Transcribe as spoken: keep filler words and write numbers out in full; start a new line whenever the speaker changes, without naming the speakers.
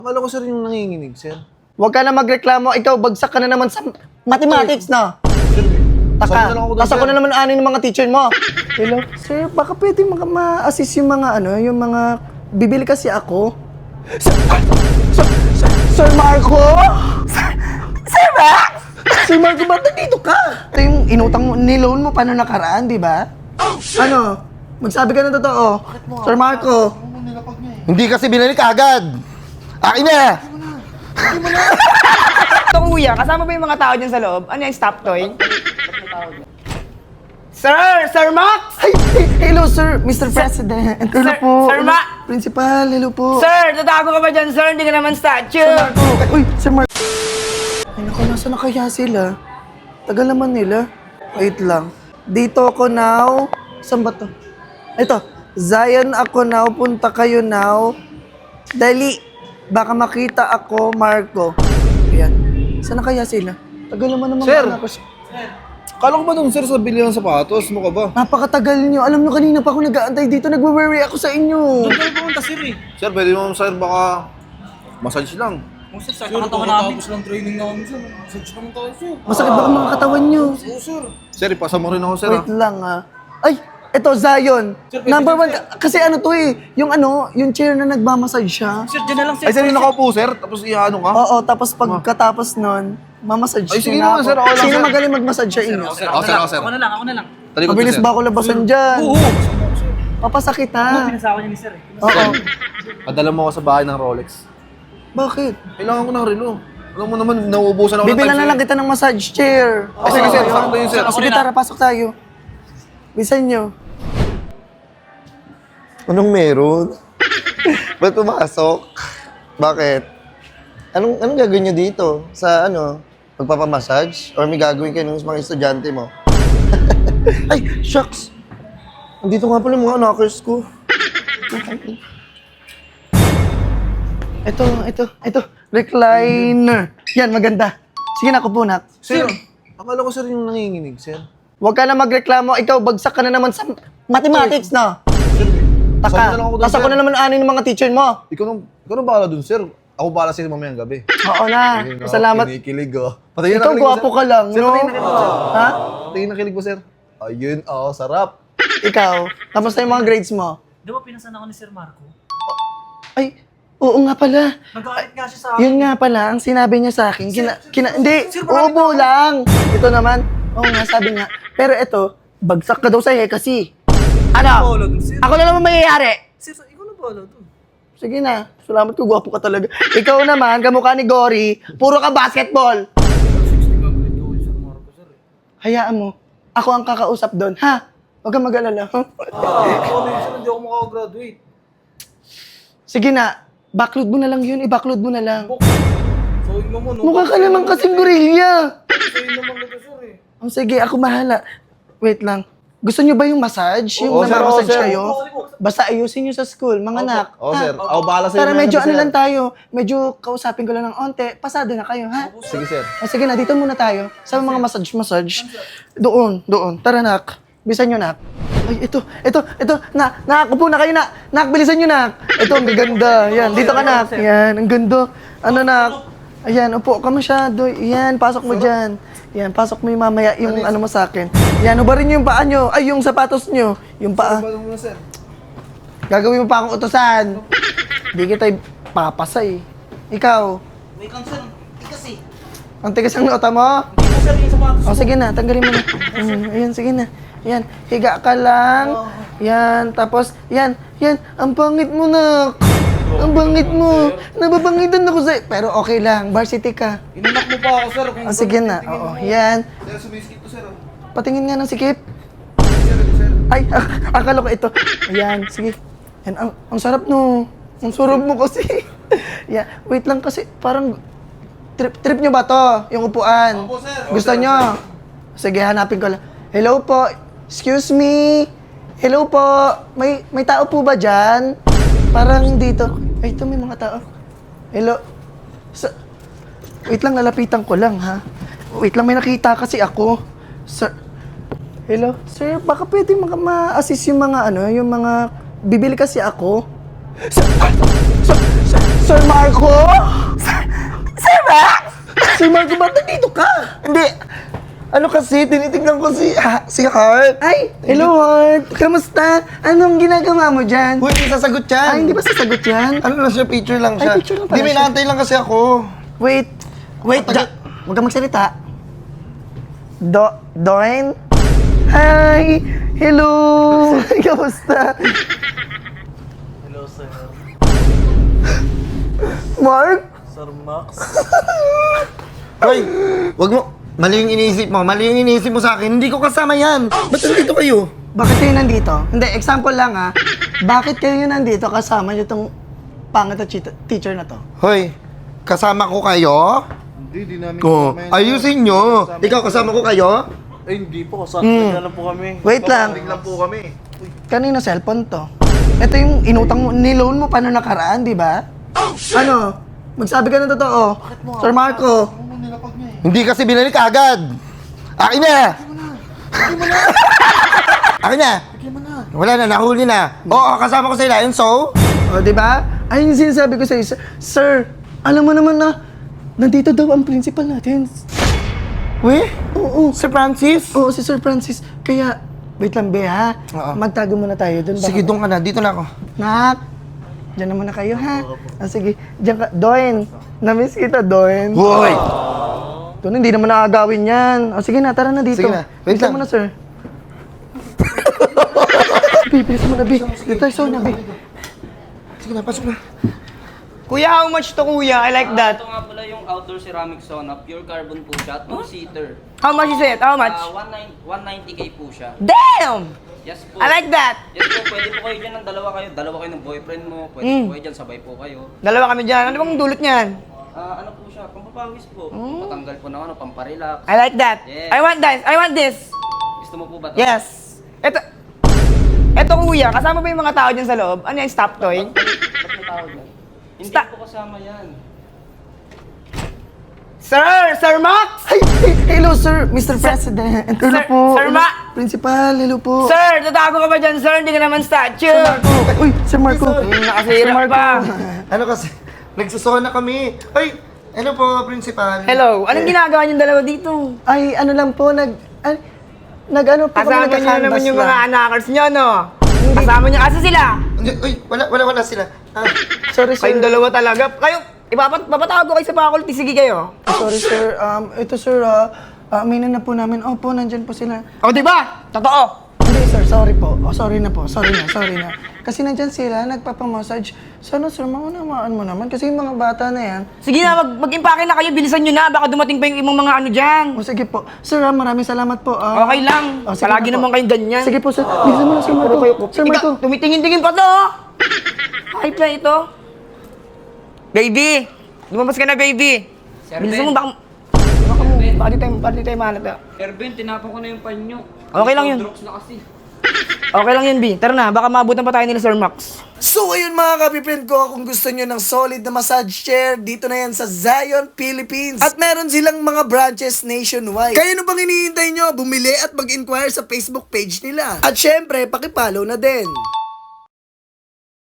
Akala ko sir yung nanginginig, sir.
Huwag ka na magreklamo. Ikaw, bagsak ka na naman sa mathematics na.
Sir,
Taka.
sabi na lang ako doon,
Tapos ako
sir.
na naman ano ng mga teacher mo. Hello? Sir, baka pwede maka ma-assist yung mga ano, yung mga... Bibili kasi ako. Sir, Sir, Sir, Sir Marco? Sir, Sir Max? Sir Marco, ba't nandito ka? Ito yung inutang mo, niloan mo pa nung nakaraan, di ba? Ano? Magsabi ka ng totoo. Sir Marco.
Hindi kasi binalik agad. Akin na!
Ito kuya, kasama ba yung mga tao dyan sa loob? Ano yung stop toy? Sir! Sir Max!
Ay, ay, hello, sir, Mister President. Hello
Sir-
po.
Sir
Hello,
Ma-
Principal, hello po.
Sir! Tatago ka ba dyan, sir? Hindi ka naman statue!
Sir Marco. Uy, Sir Marco. Ay, naku, nasa na kaya sila? Tagal naman nila. Wait lang. Dito ako now. Saan ba to? Ito. Zion ako now. Punta kayo now. Dali. Baka makita ako, Marco. Ayan. Saan na kaya sila? Tagal naman naman.
Sir!
Ako.
Akala ko ba doon, sir, sa bili ng sapatos? Mo ka ba?
Napakatagal nyo. Alam nyo, kanina pa ako nag-aantay dito. Nagwe-worry ako sa inyo.
Doon kayo pumunta, sir, eh. Sir, pwede mo, sir, baka massage lang.
Sir, sa katawan namin. Tapos lang training namin, sir. Massage naman tayo, sir.
Masakit ba ang mga katawan nyo?
Oo, sir.
Sir, ipasa mo rin ako, sir,
Wait
ah.
lang ah. Ay, eto Zion. Number one, ka- kasi ano to eh, yung ano, yung chair na nagmamassage siya.
Sir, dyan na lang, sir.
Ay, sir, yung nakaupo, sir, tapos iano ka?
Oo, tapos pagkatapos nun, mamassage
Ay, sige
niya
naman,
ako.
sir, ako lang,
Sino
sir.
magaling magmassage sa inyo?
Sir,
Ako,
ako
sir,
na
ako,
lang.
sir.
Ako na lang, ako na lang.
Talikod
Mabilis
ka, sir.
ba ako labasan dyan?
Oo.
Papasakit ha.
Pinasawa niya ni sir, eh.
Oo.
Padala mo ako sa bahay ng Rolex.
Bakit?
Kailangan ko ng relo. Alam mo naman, nauubusan ako
Bibilan na
time,
lang
sir.
kita ng massage chair.
Ah, sige, sir, sakto yun, sir.
O, sige, tara, pasok tayo. Bisan nyo.
Anong meron? Ba't pumasok? Bakit? Anong, anong gagawin nyo dito? Sa ano? Magpapamassage? Or may gagawin kayo ng mga estudyante mo? Ay, shucks! Andito nga pala yung mga knockers ko.
Ito, ito, ito. Recliner. Yan, maganda. Sige na, kupo na.
Sir, akala ko, sir, yung nanginginig, sir.
Huwag ka na magreklamo. Ikaw, bagsak ka na naman sa mathematics na.
Sir, sabi
Taka.
na lang ako doon,
Tapos
sir.
ako na naman ano ng mga teacher mo.
Ikaw nang, ikaw nang bahala dun, sir. Ako bahala sa'yo mamayang gabi.
Oo na.
Ayun, oh,
Salamat.
Kinikilig, oh. Patayin na
Ikaw,
kilig mo,
gwapo
sir.
ka lang,
Sir,
no?
patayin na kilig mo, sir.
Ha?
Patayin na kilig mo, sir. Ayun, oh, sarap.
Ikaw, kamusta yung mga grades mo?
Di ba pinasan ako ni Sir Marco?
Ay, oo nga pala.
Nag-aalit nga siya sa akin.
Yun nga pala, ang sinabi niya sa akin. Kina, kina, hindi,
sir, marami
ubo lang. Ito naman, oo nga, sabi nga. Pero ito, bagsak ka daw sa'yo eh, kasi. Ano?
Bolo dun, sir.
Ako na naman mayayari.
Sir, ikaw na bolo dun.
Sige na, salamat ko, gwapo ka talaga. Ikaw naman, kamukha ni Gory, puro ka basketball.
sixty ka grade ko Sir Marco, sir. eh.
Hayaan mo, ako ang kakausap doon, ha? Huwag kang mag-alala.
Ah, ako na yun, sir. Hindi ako makagraduate.
Sige na, backload mo na lang yun, i-backload mo na lang.
So, yun naman, no?
Mukha ka naman kasing gorilla.
So, yun naman nito, sir, eh.
Oh, sige, ako bahala. Wait lang. Gusto niyo ba yung massage? Yung
Oo, sir,
namamasage
oo, sir.
kayo? Basta ayusin niyo sa school, mga anak.
Oh,
ha?
sir. Ako bahala sa'yo
Para
mamayang
medyo
gabi,
ano
sir.
lang tayo, medyo kausapin ko lang ng onte, pasado na kayo, ha?
Sige, sir.
O sige na, dito muna tayo. Sa mga massage-massage. Doon, doon. Tara, nak. Bisan nyo, nak. Ay, ito, ito, ito. Na, nakakupo na kayo, nak. Nak, bilisan nyo, nak. Ito, ang gaganda. Yan, dito ka, nak. Yan, ang ganda. Ano, nak? Ayan, upo ka masyado. Yan, pasok mo dyan. Yan, pasok mo yung mamaya yung ano mo sa akin. Yan, ubarin nyo yung paa nyo. Ay, yung sapatos nyo. Yung paa.
Ano mo, sir?
Gagawin mo pa akong utosan. Hindi kita papasay. Ikaw,
Wait lang, sir. Tikas, eh.
ang tigas ang nota mo?
Hindi ko, sir, yung sapatos.
O, sige na, tanggalin mo na. Mm, ayan, sige na. Yan, higa ka lang. Yan, tapos, yan, yan, ang pangit mo na. Ang bangit mo. Nababangitan ako sa'yo. Pero okay lang, varsity ka.
Inanak mo pa ako, sir. Kung
O, sige na. Oo, yan.
Sir, sumiskip to, sir. oh.
Patingin nga ng sikip.
Sir, ito, sir.
Ay, ak- akala ko ito. Ayan, sige. Yan, ang, ang sarap no. Ang sarap mo kasi. Yan, wait lang kasi, parang trip trip nyo ba to? Yung upuan?
Opo, sir.
Gusto nyo? Sige, hanapin ko lang. Hello po. Excuse me. Hello po. May may tao po ba dyan? Parang dito. Ay, ito may mga tao. Hello. Sa... Wait lang, lalapitan ko lang, ha? Wait lang, may nakita kasi ako. Sir... Hello? Sir, baka pwede maka ma-assist yung mga ano, yung mga... Bibili kasi ako. Sir, Sir, Sir, Sir Sir Marco? Sir Max? Sir Marco, ba't nandito ka?
Hindi. Ano kasi, tinitignan ko si, ha, si Heart.
Ay, hello Heart. Kamusta? Anong ginagawa mo dyan?
Uy, hindi sasagot yan.
Ay, hindi ba sasagot yan?
Ano lang siya, picture lang
Ay,
siya.
picture lang pala
Hindi, may
siya.
naantay lang kasi ako.
Wait, wait,
Tagal-
da- huwag kang magsalita. Do, Doin? Hi! Hello! Kamusta?
Hello, sir.
Mark?
Sir Max.
Hoy, wag mo. Mali yung iniisip mo. Mali yung iniisip mo sa akin. Hindi ko kasama yan. Ba't nandito kayo?
Bakit kayo nandito? Hindi, example lang ha. Bakit kayo nandito kasama nyo itong pangit na cheat- teacher na to?
Hoy, kasama ko kayo?
Hindi, di namin
Ko, ayusin nyo. Ikaw, kasama ko kayo?
Ay, hindi po. Kasama
Hmm.
na lang po kami.
Wait lang.
lang po kami.
Kanino cellphone to? Ito yung inutang mo, niloan mo pa noong nakaraan, di ba? Ano? Magsabi ka ng totoo. Sir Marco.
Hindi kasi binalik agad. Akin na! Akin na! Wala na, nahuli na. Oo, kasama ko sila. And so?
O, di ba? Ayun yung sinasabi ko sa'yo, sir, sir, alam mo naman na, nandito daw ang principal natin.
We?
Oo,
Sir Francis?
oo, si Sir Francis. Kaya, wait lang, be, ha?
Oo.
Magtago muna tayo dun.
Sige, doon ka na. Dito na ako.
Nak, dyan naman na kayo, ha? Ah, sige, dyan ka. Doen, namiss kita, Doen.
Hoy!
Doon, hindi naman nakagawin yan. O, sige na, tara na dito.
Sige na, wait
Dito
lang.
mo na, sir. Be, bilis mo na, be. Dito tayo, Sonia, be.
Sige na, pasok na.
Kuya, how much to kuya? I like that.
Ito nga pala yung outdoor ceramic sauna, pure carbon po siya, two-seater.
How much is it? How much?
Ah, one ninety K po siya.
Damn!
Yes po.
I like that.
Yes po, pwede po kayo dyan ng dalawa kayo. Dalawa kayo ng boyfriend mo. Pwede
Mm.
po kayo dyan, sabay po kayo.
Dalawa kami dyan. Ano bang dulot niyan?
Ah, ano po siya, pampapawis po. Patanggal po ng ano, pamparelax.
I like that.
Yes.
I want this. I want this.
Gusto mo po ba ito?
Yes. Ito. Ito kuya, kasama ba yung mga tao dyan sa loob? Ano yung stop toy?
Ba't may tawag yan? Hindi
Sta-
po kasama yan.
Sir! Sir Max!
Ay, ay, hello, sir, Mister President. Hello
Sir-
po.
Sir
Hello,
Ma-
Principal, hello po.
Sir! Tatago ka ba dyan, sir? Hindi ka naman statue!
Uy, Sir Marco.
Hmm, nakasira
Sir Marco.
pa.
Ano kasi? Nagsusona kami. Ay, ano po, principal?
Hello, anong ginagawa niyong dalawa dito?
Ay, ano lang po, nag... Ay, nag ano po
Kasama niyo
nagka-canvas
naman yung
lang.
mga anakers niyo, no? Kasama niyo kasi sila.
Hindi, uy, wala, wala, wala sila. Ah,
Sorry, sir.
Kayong dalawa talaga. Kayo, ipapat papatago kayo sa faculty. Sige kayo.
Sorry, sir. Um, ito, sir, ah, uh, na po namin. Opo, nandyan po sila.
O, di ba? Totoo.
Hindi, sir, sorry po. Oh, sorry na po. Sorry na, sorry na. Kasi nandyan sila, nagpapamassage. Sana, sir, maunamaan mo naman. Kasi yung mga bata na yan.
Sige na, mag mag-impake na kayo. Bilisan nyo na. Baka dumating pa yung ibang mga ano dyan.
O, sige po. Sir, ah, maraming salamat po. ah.
Okay lang.
Oh, sige
Palagi
na po.
naman kayong ganyan.
Sige po, sir. Bilisan mo na, Sir Marco. Sir
Ikaw,
Marco.
tumitingin-tingin pa to. oh. Hype na ito. Baby. Lumabas ka na, baby.
Sir
Bilisan
Ben.
mo, baka... Baka mo, baka di tayo, baka di tayo mahanap. ah.
Sir Ben, tinapon ko na yung panyo.
Okay lang yun.
Drops na kasi.
Okay lang yun, B. Tara na, baka maabutan pa tayo nila Sir Max.
So ayun mga kapiprint ko, kung gusto nyo ng solid na massage chair, dito na yan sa Zion, Philippines. At meron silang mga branches nationwide. Kaya ano bang hinihintay nyo? Bumili at mag-inquire sa Facebook page nila. At syempre, pakipollow na din.